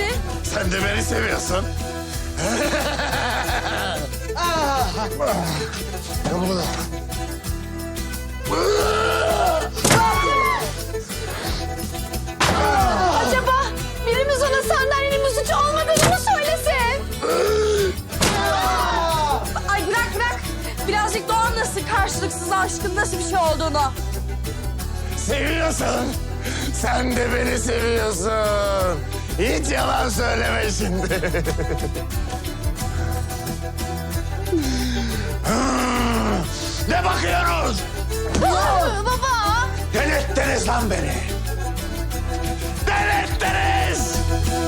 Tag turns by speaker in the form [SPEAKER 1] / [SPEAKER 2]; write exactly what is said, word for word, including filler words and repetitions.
[SPEAKER 1] mi?
[SPEAKER 2] Sen de beni seviyorsun. Gel burada.
[SPEAKER 1] Acaba birimiz ona sandalyenin suçu olmadığını mı söylesin? Ay bırak bırak. Birazcık da o anlasın karşılıksız aşkın nasıl bir şey olduğunu.
[SPEAKER 2] Seviyorsun. Sen de beni seviyorsun. Hiç yalan söyleme şimdi. Ne bakıyoruz?
[SPEAKER 1] Baba.
[SPEAKER 2] Delirttiniz lan beni. Delirttiniz.